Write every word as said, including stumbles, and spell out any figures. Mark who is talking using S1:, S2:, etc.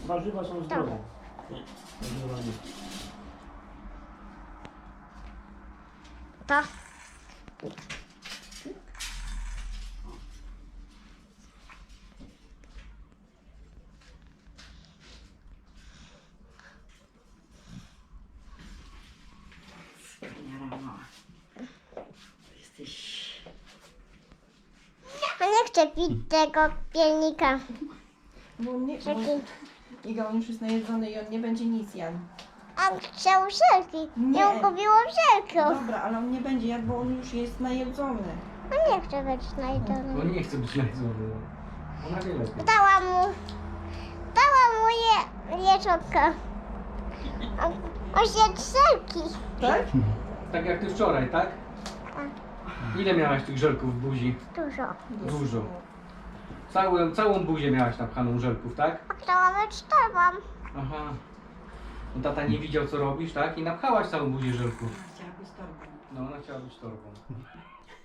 S1: warzywa są zdrowe. Warzywa nie.
S2: To.
S3: Wspaniała mała. Jesteś...
S2: A nie chcę pić tego pielnika.
S4: Bo on nie, bo
S2: Taki.
S4: Iga, on już jest najedzony i on nie będzie nic jadł.
S2: A chciał żelki.
S4: Nie.
S2: Ja kupiłam żelkę.
S4: Dobra, ale on nie będzie jadł, bo on już jest najedzony.
S2: A nie chcę być
S1: On
S2: znajdony.
S1: nie chce być najedzony. Ona wie lepiej.
S2: Dałam mu. Dałam mu je, jedzonka. On, on zjadł żelki.
S4: Tak?
S1: Tak jak ty wczoraj, tak? Ile miałaś tych żelków w buzi?
S2: Dużo.
S1: Dużo. Całą, całą buzię miałaś napchaną żelków, tak?
S2: A chciałam być torbą.
S1: Aha. No tata nie widział co robisz, tak? I napchałaś całą buzię żelków.
S3: Chciała być torbą.
S1: No ona chciała być torbą.